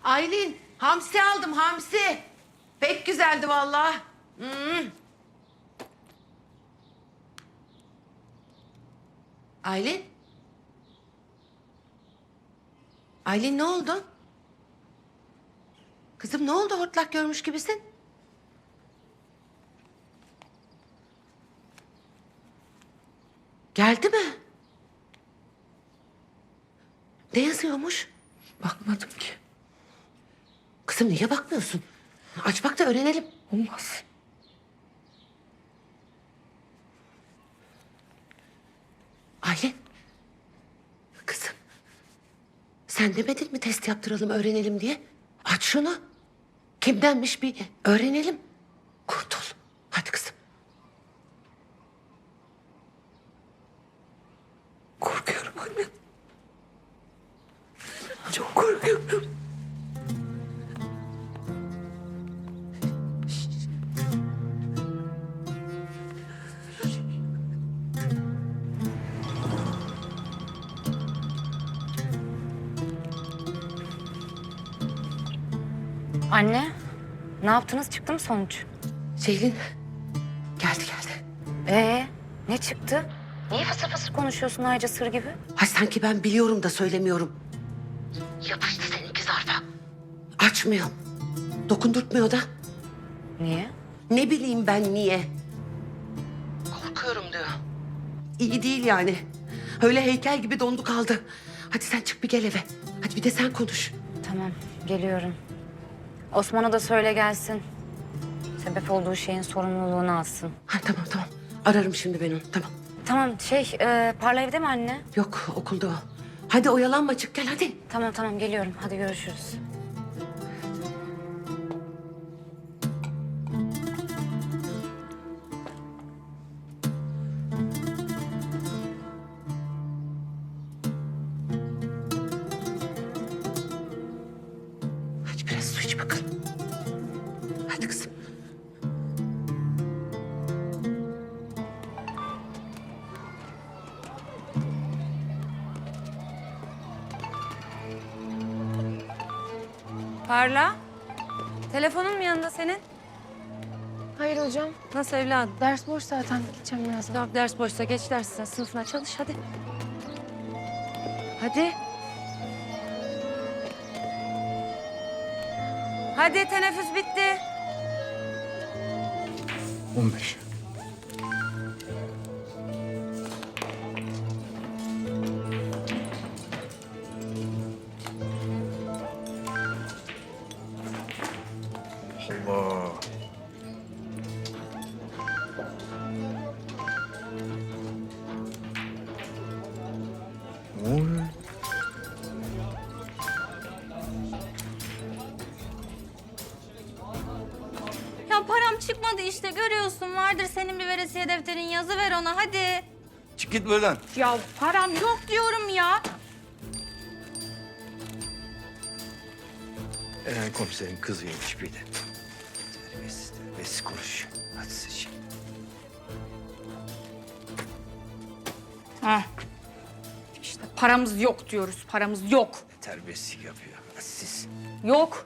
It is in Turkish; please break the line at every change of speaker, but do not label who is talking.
Aylin, hamsi aldım, hamsi. Pek güzeldi vallahi. Aylin? Aylin ne oldu? Kızım ne oldu, hortlak görmüş gibisin? Geldi mi? Ne yazıyormuş?
Bakmadım ki.
Kızım niye bakmıyorsun? Aç bak da öğrenelim.
Olmaz.
Aylin. Kızım. Sen demedin mi test yaptıralım, öğrenelim diye? Aç şunu. Kimdenmiş bir öğrenelim. Kurtul. Hadi kızım.
Korkuyorum anne. Çok korkuyorum.
Anne, ne yaptınız? Çıktı mı sonuç?
Ceylin. Geldi.
Ne çıktı? Niye fısır fısır konuşuyorsun ayrıca sır gibi?
Ay sanki ben biliyorum da söylemiyorum. Yapıştı seninki zarfa. Açmıyor. Dokundurtmuyor da.
Niye?
Ne bileyim ben niye? Korkuyorum diyor. İyi değil yani. Öyle heykel gibi dondu kaldı. Hadi sen çık bir gel eve. Hadi bir de sen konuş.
Tamam, geliyorum. Osman'a da söyle gelsin. Sebep olduğu şeyin sorumluluğunu alsın.
Ha, tamam. Ararım şimdi ben onu. Tamam.
Tamam, Parla evde mi anne?
Yok okulda o. Hadi oyalanma çık gel hadi.
Tamam, geliyorum. Hadi görüşürüz.
Hadi biraz su iç bakalım. Hadi kızım.
Parla. Telefonun mu yanında senin?
Hayır hocam.
Nasıl evladım?
Ders boş zaten. Gideceğim birazdan.
Tamam ders boşsa geç dersine, sınıfına çalış hadi. Hadi. Hadi teneffüs bitti.
15. Allah. Ne oluyor?
Ya param çıkmadı işte görüyorsun. Vardır senin bir veresiye defterin, yazı ver ona hadi.
Çık git buradan.
Ya param yok diyorum ya.
Komiserin kızıymış bir de. Terbiyesiz konuşuyor. Hadi seç.
Heh. İşte paramız yok diyoruz. Paramız yok.
Terbiyesizlik yapıyor. Hadi siz.
Yok.